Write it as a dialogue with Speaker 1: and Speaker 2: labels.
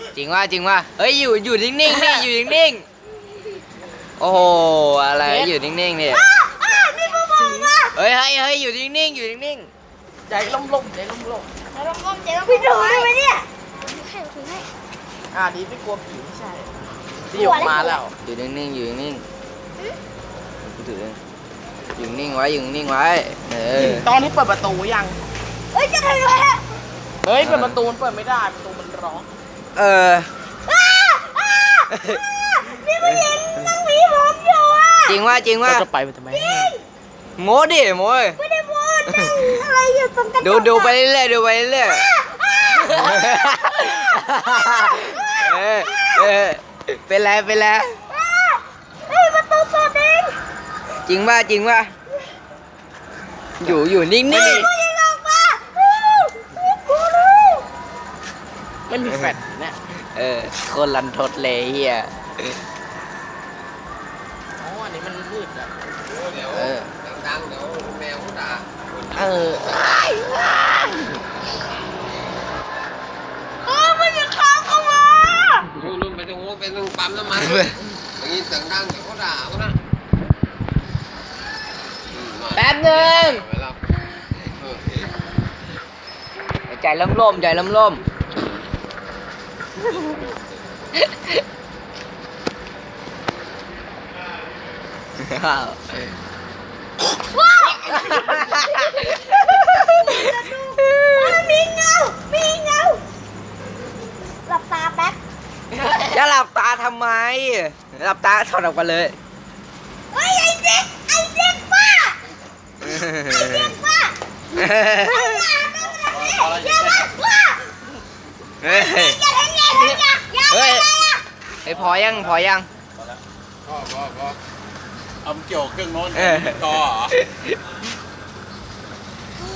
Speaker 1: จริงว่าเฮ้ยอยู่นิ่งๆนี่อยู่นิ่งๆโอ้โหอะไรอยู่นิ่งๆนี่
Speaker 2: นี่มึงมองว่า
Speaker 1: เฮ้ยอยู่นิ่งๆ
Speaker 3: ใจล่มๆใจล่ม
Speaker 2: พี่ดูได้ไหมเนี่ยถือให้
Speaker 3: ๆดีไม่กลัวผีไม่ใช่ที่ออกมาแล้ว
Speaker 1: อยู่นิ่งๆกูถืออยู่นิ่งไว้
Speaker 3: ตอนนี้เปิดประตูยัง
Speaker 2: เฮ้ยจะทำอะไรฮะ
Speaker 3: เฮ้ยเปิดประตูมันเปิดไม่ได้ประตูมันร้อง
Speaker 2: พี่ผู้หญิงนั่งหวีผมอยู่อ่ะ
Speaker 1: จริงว่า
Speaker 3: เราจะไปมันทำไม
Speaker 1: โม้ดิโม้
Speaker 2: ไม่ได้พูดอะไรอยู่ตรงกระจก
Speaker 1: ดูไปเรื่อยๆเป็นไร
Speaker 2: เฮ้ยประตูเปิดเอง
Speaker 1: จริงว่าอยู่นิ่ง
Speaker 2: ผู้หญิงออกมากูรู้
Speaker 3: ไม่มีแฟลชเนี่ย
Speaker 1: ๆคนรันทดเลยเฮีย
Speaker 3: อ๋ออันนี้มันมืดอ่ะ
Speaker 4: เดี๋ยวดังๆเดี๋ยวแมวเขาด่า
Speaker 2: มันจะเข้าเข้ามา
Speaker 4: นู่นไปตรงโน้นไปตรงปั๊มน้ำมันอย่างนี้เสียงดังเดี๋ยวเขาด่าเขานะ
Speaker 1: แป๊บนึง
Speaker 4: ไปแล้ว
Speaker 1: ใจล่ม
Speaker 2: มีเงาหลับตาแป๊บ
Speaker 1: จะหลับตาทำไมหลับตาถอดออกมาเลย
Speaker 2: เฮ้ยไอ้เด็กป้าอย่ามาป้า
Speaker 1: เฮ้ย
Speaker 2: อย่า
Speaker 1: ไอ้พอยัง
Speaker 4: พอเอาเกี่ยวเครื่องโน้นต่อเหรอ